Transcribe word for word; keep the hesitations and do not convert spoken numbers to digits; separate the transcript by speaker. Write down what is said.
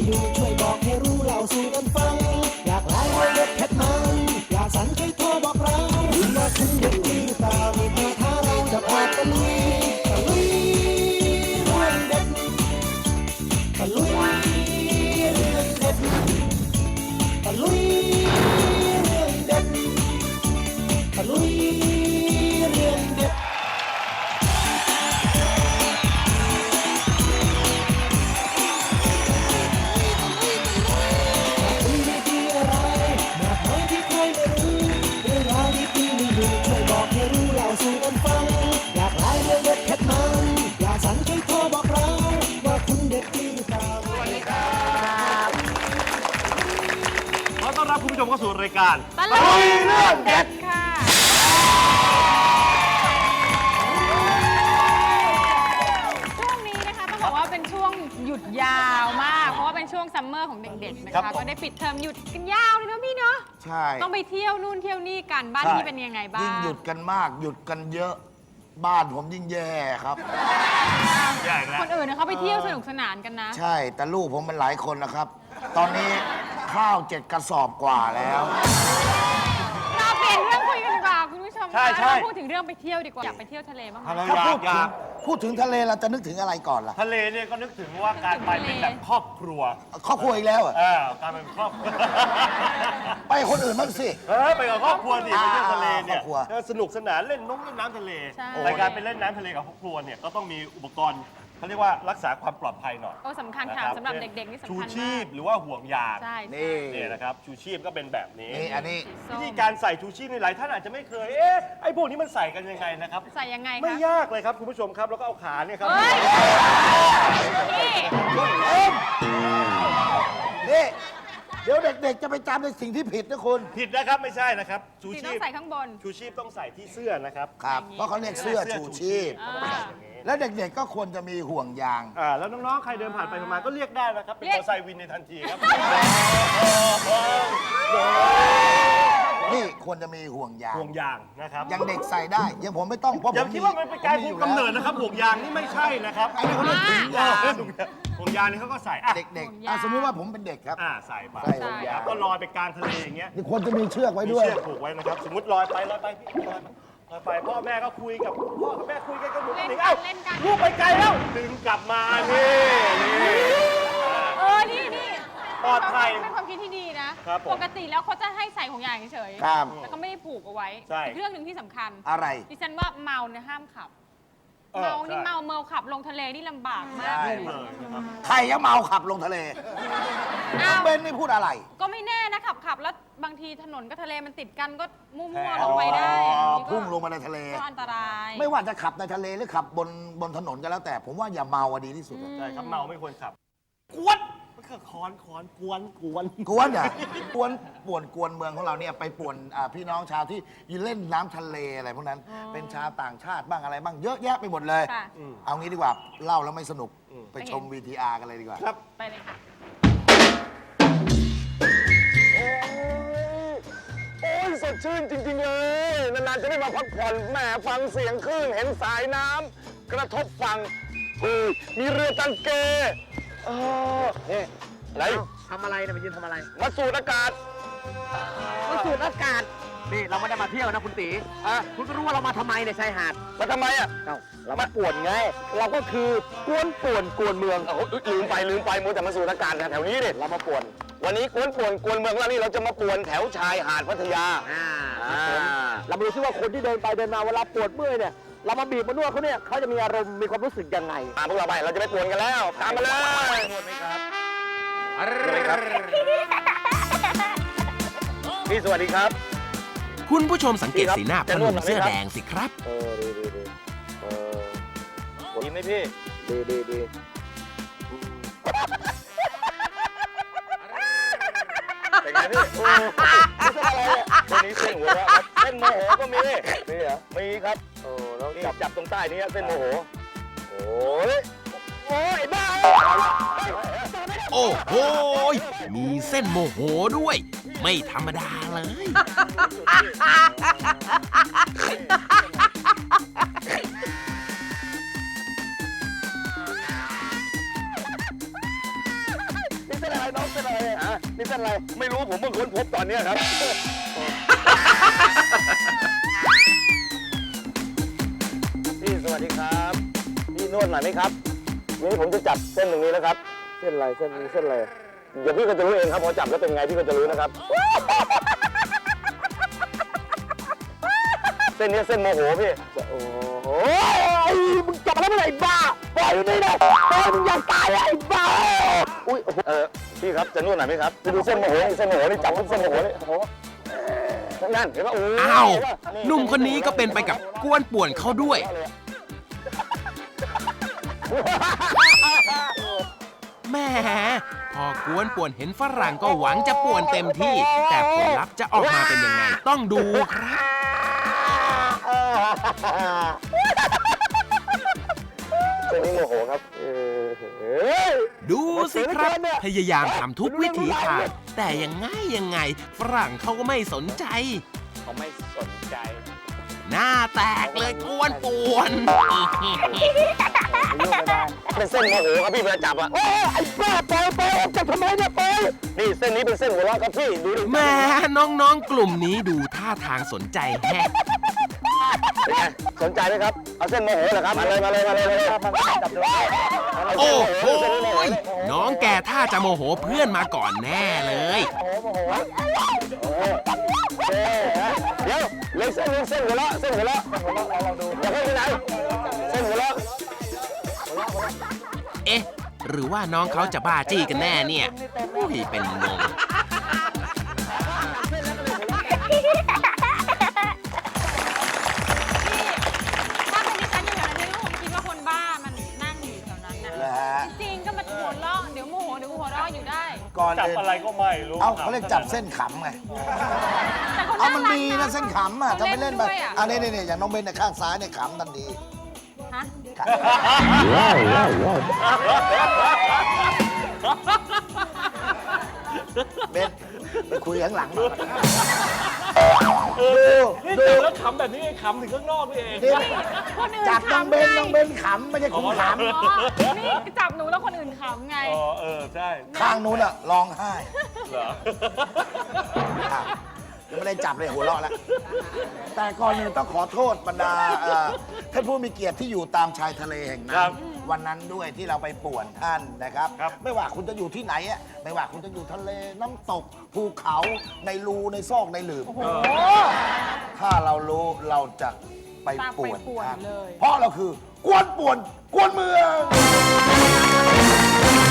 Speaker 1: ดูช่วยบอกให้รู้เล่าสู่กันฟังอยากไลฟ์เด็ดเผ็ดมันอยากสั่นช่วยโทรบอกเราว่าคุณเด็กดีหรือเปล่ามีมาท้าเราจะพาตะลุยตะลุยเรื่องเด็ดตะลุยเรื่องเด็ดตะลุยเรื่องเด็ดตะลุยเรื่องเด็ดสู่กันฟังอยากไลฟ์เรื่องเด็ดเผ็ดมันอยากสั่นช่วยโทรบอกเราว่าคุณเด็ดดีหรือเปล่าสวัสดีครับ
Speaker 2: ขอต้อนรับคุณผู้ชมเข้าสู่รายการ
Speaker 3: ตะลุยเรื่องเด็ดค่ะช่วงนี้นะคะต้องบอกว่าเป็นช่วงหยุดยาวมากเพราะว่าเป็นช่วงซัมเมอร์ของเด็กๆนะคะก็ได้ปิดเทอมหยุดกันยาวเลยนะพี่เนาะ
Speaker 4: ใช่
Speaker 3: ต้องไปเที่ยวนู่นเที่ยวนี่กันบ้านที่เป็นยังไงบ้าง
Speaker 4: ยิ่งหยุดกันมากหยุดกันเยอะบ้านผมยิ่งแย่ครับ
Speaker 3: คนอื่นเขาไปเที่ยวสนุกสนานกันนะ
Speaker 4: ใช่แต่ลูกผมมันหลายคนนะครับ ตอนนี้ข้าวเจ็ดกระสอบกว่าแล้ว
Speaker 3: เราเปลี่ยนเรื่องคุยกันดีกว่าคุณผู้ชมคะเราพูดถึงเรื่องไปเที่ยวดีกว่าอยากไปเที่ยวทะเลบ้างไหม
Speaker 4: ถ้าพูดถึงพูดถึงทะเลเราจะนึกถึงอะไรก่อนล่ะ
Speaker 2: ทะเลเนี่ยก็นึกถึงว่าการไปเป็นแบบครอบครัว
Speaker 4: ครอบครัวอีกแล้วอ่ะ
Speaker 2: การเป็นครอบครัว
Speaker 4: ไปคนอื่นบ้างสิ
Speaker 2: เออไปกับครอบครัวดิไปเที่ยวทะเลเนี่ยสนุกสนานเล่นน้ำเล่นน้ำทะเลรายการไปเล่นน้ำทะเลกับครอบครัวเนี่ยก็ต้องมีอุปกรณ์เขาเรียกว่ารักษาความปลอดภัยหน่อย
Speaker 3: โอ้สำคัญค่ะสำหรับเด็กๆนี่สำคัญมาก
Speaker 2: ชูชีพหรือว่าห่วงยาง
Speaker 3: นี่
Speaker 2: นี่นะครับชูชีพก็เป็นแบบนี้
Speaker 4: นี่อันนี้
Speaker 2: วิธีการใส่ชูชีพในหลายท่านอาจจะไม่เคยเอ๊ะไอ้พวกนี้มันใส่กันยังไงนะครับ
Speaker 3: ใส่ยังไง
Speaker 2: ไม่ยากเลยครับคุณผู้ชมครับแล้วก็เอาขาเนี่ยครับ
Speaker 4: นี่เดี๋ยวเด็กๆจะไปจำในสิ่งที่ผิดนะคุณ
Speaker 2: ผิดนะครับไม่ใช่นะครับชูชีพ
Speaker 3: ต้องใส่ข้างบน
Speaker 2: ชูชีพต้องใส่ที่เสื้อนะครับ
Speaker 4: ครับเพราะเขาเรียกเสื้อชูชีพแล้วเด็กๆก็ควรจะมีห่วงยาง
Speaker 2: อ่าแล้วน้องๆใครเดินผ่านไปมาก็เรียกได้นะครับเป็นมอเตอร์ไซค์วินในทันทีครับ
Speaker 4: นี่ควรจะมีห่วงยาง
Speaker 2: ห่วงยางนะครับ
Speaker 4: ยังเด็กใส่ได้ยังผมไม่ต้องเพราะผม
Speaker 2: คิดว่ามันเป็นการคุมกำเนิดนะครับห่วงยางนี่ไม่ใช่นะครับ
Speaker 4: ไอ้นี่เขาเรียกห่วงยาง
Speaker 2: ห่วงยางนี่เขาก็ใส่
Speaker 4: เด็กๆสมมติว่าผมเป็นเด็กครับ
Speaker 2: อ่าใส่ไปก็ลอยไปกลางทะเลอย่างเงี้ย
Speaker 4: นี่ควรจะมีเชือกไว้ด้วย
Speaker 2: เชือกผูกไว้นะครับสมมติลอยไปลอยไปพี่ลอยลอยไปพ่อแม่ก็คุยกับพ่อกับแม่คุยกันก็หนุนถึงเอ้าลูกไปไกลแล้วดึงกลับมานี่นี่
Speaker 3: เออนี่นี่
Speaker 2: ปลอดภัย
Speaker 3: เป็นความคิดที่ดีนะปกติแล้วเขาจะให้ใส่ห่วงยางเฉยๆแต่เขาไม่ได้ผูกเอาไว้เรื่องหนึ่งที่สำคัญ
Speaker 4: อะไร
Speaker 3: ดิฉันว่าเมาเนี่ยห้ามขับเมานี่เมาเมาขับลงทะเลนี่ลำบากมากเลย
Speaker 4: ใครจะเมาขับลงทะเลเบนไม่พูดอะไร
Speaker 3: ก็ไม่แน่นะขับขับแล้วบางทีถนนกับทะเลมันติดกันก็มั่วๆลงไปได้
Speaker 4: พุ่งลงมาในทะเล
Speaker 3: ก็อันตราย
Speaker 4: ไม่ว่าจะขับในทะเลหรือขับบนบนถนนก็แล้วแต่ผมว่าอย่าเมาดีที่สุด
Speaker 2: ใช่ครับเมาไม่ควรขับกวนมันคือคอนคอนกวนกวน
Speaker 4: กวนอ่ะกวนป่วนกวนเมืองของเราเนี่ยไปป่วนพี่น้องชาวที่ยืนเล่นน้ำทะเลอะไรพวกนั้นเป็นชาวต่างชาติบ้างอะไรบ้างเยอะแยะไปหมดเลยเอางี้ดีกว่าเล่าแล้วไม่สนุกไปชม วี ที อาร์ กันเลยดีกว่า
Speaker 2: ครับ
Speaker 3: ไปเลยค่ะ
Speaker 5: โอ้ยสดชื่นจริงๆเลยนานๆจะได้มาพักผ่อนแหมฟังเสียงคลื่นเห็นสายน้ำกระทบฝั่งมีเรือตังเกเออนี่อะไร
Speaker 6: ทำอะไรเนี่ยมายืนทำอะไร
Speaker 5: มาสูดอากาศ
Speaker 6: มาสูดอากาศนี่เราไม่ได้มาเที่ยวนะคุณตีอ่ะคุณก็รู้ว่าเรามาทำไมเนี่ยชายหาด
Speaker 5: มาทำไมอ่ะ
Speaker 6: เอ้าเรามาป่วนไงเราก็คือกวนป่วนกวนเมือง
Speaker 5: เอ้าลืมไปลืมไปมัวแต่มาสูดอากาศแถวนี้เนี่ย
Speaker 6: เรามาป่วน
Speaker 5: วันนี้กวนป่วนกวนเมืองแล้วนี่เราจะมาป่วนแถวชายหาดพัทยา
Speaker 6: อ่าเราดูซิว่าคนที่เดินไปเดินมาเวลาปวดเมื่อยเนี่ยเรามาบีบมานวดเขาเนี่ยเขาจะมีอารมณ์มีความรู้สึกยังไง
Speaker 5: ตามพวกเราไปเราจะไปป่วนกันแล้วตามมาเลย
Speaker 2: นวดไหมครับ
Speaker 5: อะไรครับพี่สวัสดีครับ
Speaker 7: คุณผู้ชมสังเกตสีหน้าพนุ่มเสื้อแดงสิครับ
Speaker 5: เออดีดีดีเออดีไหมพี่ดีดีดีเป็นไงพี่โอ้ไม่ใช่อะไรเนี่ยตัวนี้เส้นหัวเราะครับเส้นโมโหก็มีมีเหรอมีครับโอ้แล้วจับจับตรงใต้นี้เส้นโมโหโอ้ยโอ้ยบ้า
Speaker 7: โอ้โหมีเส้นโมโหด้วยไม่ธรรมดาเลย
Speaker 5: นี่เส้นอะไรน้องเส้นอะไรฮะนี่เส้นอะไรไม่รู้ผมเพิ่งค้นพบตอนเนี้ยครับพี่สวัสดีครับพี่นวดหน่อยไหมครับวันนี้ผมจะจับเส้นตรงนี้แล้วครับเส้นอะไรเส้นนี้เส้นอะไรเดี๋ยวพี่ก็จะรู้เองครับพอจับแล้วเป็นไงพี่ก็จะรู้นะครับเส้นนี้เส้นโมโหพี่โอ้โหมึงจับแล้วไม่ไหนบ้าปล่อยอยู่นี่นะปล่อยมึงอยากตายไอ้บ้าอุ้ยเออพี่ครับจะนวดหน่อยไหมครับไปดูเส้นโมโหเส้นโมโหนี่จับเส้นโมโหนี่โอ้โหนั่นเห็นไหมโอ้
Speaker 7: อ้าวหนุ่มคนนี้ก็เป็นไปกับกวนป่วนเขาด้วย แหมพอกวนป่วนเห็นฝรั่งก็หวังจะป่วนเต็มที่ แต่ผลลัพธ์จะออกมาเป็นยังไงต้องดูครับ
Speaker 5: เส้นนี้โมโหครับ
Speaker 7: ดูสิครับพยายามทำทุกวิถีทางแต่ยังไงยังไงฝรั่งเขาก็ไม่สนใจ
Speaker 5: เขาไม่สนใจ
Speaker 7: หน้าแตกเลยกวนป่วน
Speaker 5: เป็นเส้นโมโหครับพี่เวลาจับอ่ะไอ้บ้าปล่อยปล่อยจับทำไมเนี่ยปล่อยนี่เส้นนี้เป็นเส้นหัวเราะครับพี่ดูดิ
Speaker 7: แหม่น้องๆกลุ่มนี้ดูท่าทางสนใจแฮะ
Speaker 5: เป็นไงสนใจไหมครับเอาเส้นโมโหเหรอครับมาเลยมาเลยมาเลยมาเลยจับดู
Speaker 7: โอ้โหน้องแกท่าจะโมโหเพื่อนมาก่อนแน่เลย
Speaker 5: เดี๋ยวเลยเส้นเส้นหัวเราะเส้นหัวเราะอย่าเพิ่งไปไหนเส้นหัวเราะ
Speaker 7: เอ๊ะ หรือว่าน้องเขาจะบ้าจี้กันแน่เนี่ยอุ้ยเป็นงง
Speaker 3: ถ้าเป็นดิฉันอยู่แถวนั้นนี่ก็คงคิดว่าคนบ้ามันนั่งอยู่แถวนั้นนะ
Speaker 4: นะฮะ
Speaker 3: จริงๆก็มาหัวเราะเดี๋ยวโมโหเดี๋ยวหัวเราะอยู่ได้
Speaker 4: ก่อน
Speaker 2: จับ
Speaker 4: อื่น
Speaker 2: อะไรก็ไม่รู้
Speaker 4: เอาเขาเรียกจับเส้นขำไง
Speaker 3: แต่เขา
Speaker 4: เอามัน
Speaker 3: รัก
Speaker 4: มีนะเส้นขำอ่ะ
Speaker 3: เขา
Speaker 4: ทำไปเล่นไป
Speaker 3: ด้วยอะ
Speaker 4: อันนี้นี่อย่างน้องเบนเนี่ยข้างซ้ายเนี่ยขำทันที
Speaker 3: ฮะ
Speaker 4: เบนไปคุยข้างหลังหน่อย
Speaker 2: นี่จับแล้วขำแบบนี้ไอ้ขำถึงข้างนอกนี่เอง
Speaker 4: นี่
Speaker 3: คนอื่น
Speaker 4: จับน้อง
Speaker 3: ขำ
Speaker 4: เบน
Speaker 3: ไง
Speaker 4: น้องเบนขำไม่ใช่คุณข
Speaker 3: อ๋อนี่จับหนูแล้วคนอื่นขำไง
Speaker 2: อ๋อเออใช่
Speaker 4: ำข้างนู้นอ่ะร้องไห้
Speaker 2: เหรอ
Speaker 4: อ้าวยังไม่ได้จับเลยหัวเราะแล้ว แต่ก่อนอื่นต้องขอโทษบรรดาเอ่อท่านผู้มีเกียรติที่อยู่ตามชายทะเลแห่งนั้
Speaker 2: ครั
Speaker 4: น
Speaker 2: บ
Speaker 4: วันนั้นด้วยที่เราไปป่วนท่านนะครับ
Speaker 2: ครับ
Speaker 4: ไม่ว่าคุณจะอยู่ที่ไหนอะไม่ว่าคุณจะอยู่ทะเลน้ำตกภูเขาในรูในซอกในหลืม
Speaker 3: โอ้โห
Speaker 4: ถ้าเรารู้เราจะไป
Speaker 3: ตามไป
Speaker 4: ป่วน
Speaker 3: ป่วน
Speaker 4: ท่าน
Speaker 3: เลย
Speaker 4: เพราะเราคือกวนป่วนกวนเมือง